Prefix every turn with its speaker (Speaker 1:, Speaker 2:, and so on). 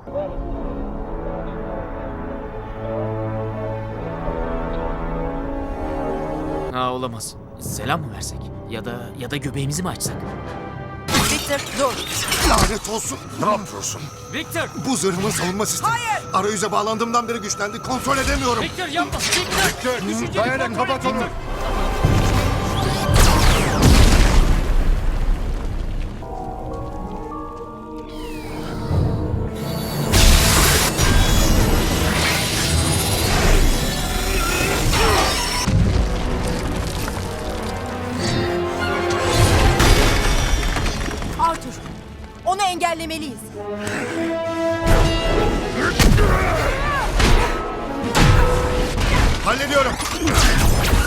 Speaker 1: Olamaz. Selam mı versek? Ya da göbeğimizi mi açsak?
Speaker 2: Victor dur.
Speaker 3: Lanet olsun. Ne yapıyorsun?
Speaker 1: Victor!
Speaker 3: Bu zırhımın savunma sistemi.
Speaker 2: Hayır!
Speaker 3: Arayüze bağlandığımdan beri güçlendi. Kontrol edemiyorum.
Speaker 1: Victor yapma! Victor!
Speaker 3: Dayanın, kapat onu.
Speaker 2: Arthur, onu engellemeliyiz.
Speaker 3: Hallediyorum.